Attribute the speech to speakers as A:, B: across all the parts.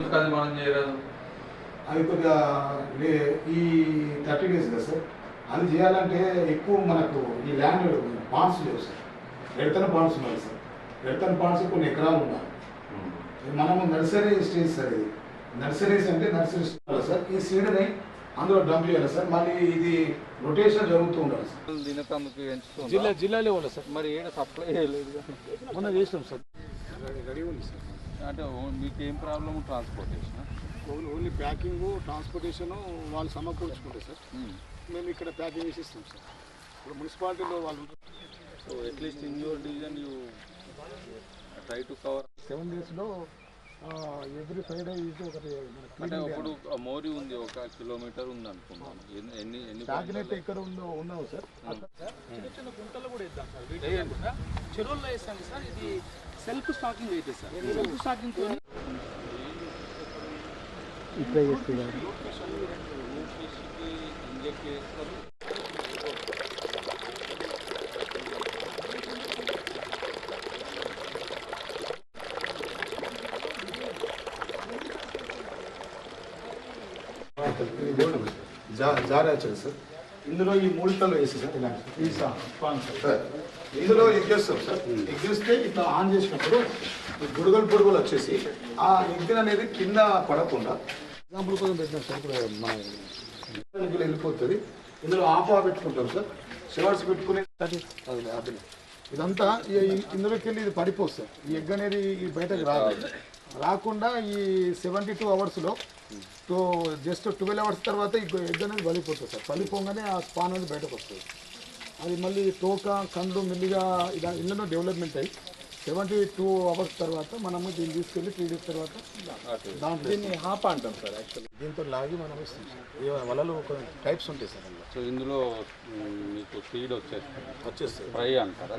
A: ఎందుకు అది మనం చేయరాదు?
B: అది కొద్దిగా ఈ 30 days కదా సార్, అది చేయాలంటే ఎక్కువ మనకు ఈ ల్యాండ్ పాండ్స్ లేవు సార్. ఎడతన పాండ్స్ ఉన్నాయి సార్. ఎడతన పాండ్స్ కొన్ని ఎకరాలు ఉన్నాయి. మనము నర్సరీ స్టేజ్ సార్. ఇది నర్సరీస్ అంటే నర్సరీ స్టేజ్ సార్. ఈ సీడ్ని అందులో డంప్ చేయాలి సార్. మళ్ళీ ఇది రొటేషన్ జరుగుతూ ఉండాలి సార్.
A: దినకందుకు ఎంచుతుంది
B: జిల్లా లెవెల్ సార్.
A: మరి ఏడ సప్లై చేయలేదు,
B: మొన్న చేసినాం సార్. రెడీ ఉంది సార్.
A: అంటే మీకు ఏం problem? Transportation
B: only packing, transportation వాళ్ళు సమకూర్చుకుంటారు సార్. మేము ఇక్కడ ప్యాకింగ్ చేసి ఇస్తాం సార్. ఇప్పుడు మున్సిపాలిటీలో వాళ్ళు.
A: So at least in your division you try to cover
B: 7 daysలో ఎవ్రీ ఫ్రైడే ఇది ఒకటి.
A: అంటే ఇప్పుడు మోరీ ఉంది, 1 కిలోమీటర్ ఉంది అనుకున్నాను. ఎన్ని
B: టార్గెట్ ఎక్కడ ఉన్నావు సార్?
C: చిన్న చిన్న గుంటలు కూడా ఇద్దాం సార్. చెరువుల్లో వేస్తాం సార్. ఇది సెల్ఫ్ స్టాకింగ్ అయితే సార్. సెల్ఫ్ స్టాకింగ్ తో
B: ఇట్లా చేస్తున్నారు.
A: ఇంజెక్ట్ చేస్తారు.
B: జారా వచ్చారు సార్. ఇందులో ఈ మూలికలు వేసి సార్ ఇలాంటి సార్. ఇందులో ఎగ్ చేస్తాం సార్. ఎగ్ చేస్తే ఇట్లా ఆన్ చేసినప్పుడు బుడగలు వచ్చేసి ఆ ఎగ్ అనేది కింద పడకుండా ఎగ్జాంపుల్ కోసం పెట్టినాం సార్. ఇప్పుడు మన వెళ్ళిపోతుంది. ఇందులో ఆఫ్ పెట్టుకుంటాం సార్. షవర్స్ పెట్టుకుని ఇదంతా ఇందులోకి వెళ్ళి ఇది పడిపోతుంది. ఈ ఎగ్ అనేది బయటకు రాకుండా ఈ 72 hours జస్ట్ 12 hours తర్వాత ఈ ఎగ్ అనేది బలిపోతుంది సార్. బలిపోగానే ఆ స్పాన్ అనేది బయటకు వస్తుంది. అది మళ్ళీ తోక కండ్లు మెల్లిగా ఇళ్ళలో డెవలప్మెంట్ అయ్యి 72 hours తర్వాత మనము దీన్ని తీసుకెళ్ళి 3 days తర్వాత దాంట్లో దీన్ని హాప అంటాం సార్. యాక్చువల్లీ దీంతో లాగి మనం ఇస్తాం సార్. వలలు ఒక టైప్స్ ఉంటాయి సార్ అందులో.
A: సో ఇందులో మీకు సీడ్ వచ్చేస్తుంది. ఫ్రై అంటారా?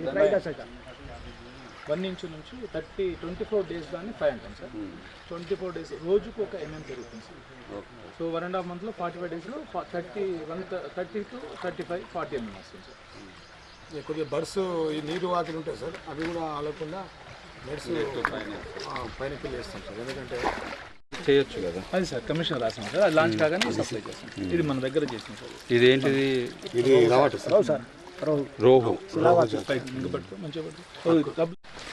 C: 1 inch నుంచి 24 days దాన్ని ఫ్రై అంటాం సార్. 24 days రోజుకు 1 mm పెరుగుతుంది సార్. సో 1.5 monthలో 45 daysలో 30 to 35, 40 mm వస్తుంది సార్.
B: కొద్దిగా బర్డ్స్ ఈ నీరు వాకిలు ఉంటాయి సార్. అవి కూడా ఆలకుండా బర్డ్స్ పైనకి వేస్తాం సార్. ఎందుకంటే
A: చేయొచ్చు కదా.
C: అది సార్ కమిషన్ రాసాం సార్. అది లాంచ్ కాగానే సప్లై చేస్తాం. ఇది మన దగ్గర చేసాం సార్.
A: ఇదేంటిది?
B: ఇది రావట సార్.
A: రోహు
C: పట్టుకో మంచిగా పట్టుకో.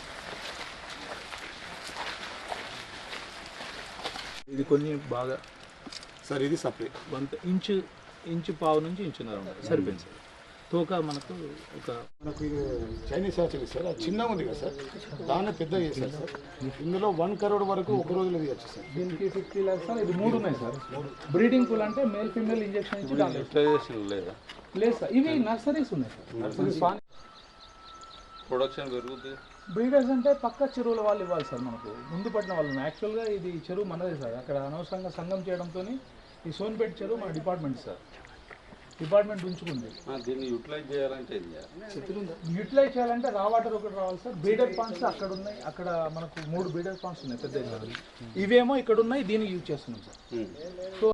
C: ఇది కొన్ని బాగా
B: సార్. ఇది సప్లై
C: 1 ఇంచు పావు నుంచి 1.5 ఇంచు సరిపోయింది సార్. తోక మనకు
B: ఇది చైనీస్ యాచరీ సార్. అది చిన్నగా ఉంది కదా సార్. దాన్ని పెద్ద చేశారు సార్. ఇందులో 1 crore వరకు ఒక రోజులో తీయచ్చు సార్.
C: దీనికి 50 lakhs సార్. ఇది 3 ఉన్నాయి సార్. బ్రీడింగ్ పూల్ అంటే మేల్ ఫీమేల్ ఇంజెక్షన్ ఇచ్చి
A: లేదా?
C: లేదు సార్. ఇవి నర్సరీస్ ఉన్నాయి సార్. నర్సరీస్
A: ప్రొడక్షన్ పెరుగుతుంది.
C: బ్రీడర్స్ అంటే పక్క చెరువుల వాళ్ళు ఇవ్వాలి సార్. మనకు ముందు పట్టిన వాళ్ళు. యాక్చువల్గా ఇది చెరువు మనదే సార్. అక్కడ అనవసరంగా సంఘం చేయడంతో ఈ సోన్పేట చెరువు మన డిపార్ట్మెంట్ సార్. డిపార్ట్మెంట్ ఉంచుకుంది.
A: దీన్ని యూటిలైజ్ చేయాలంటే
C: యూటిలైజ్ చేయాలంటే రా వాటర్ ఒకటి రావాలి సార్. బ్రీడర్ పాండ్స్ అక్కడ ఉన్నాయి. అక్కడ మనకు 3 బ్రీడర్ పాండ్స్ ఉన్నాయి పెద్ద. ఇవేమో ఇక్కడ ఉన్నాయి. దీనికి యూజ్ చేస్తున్నాం సార్. సో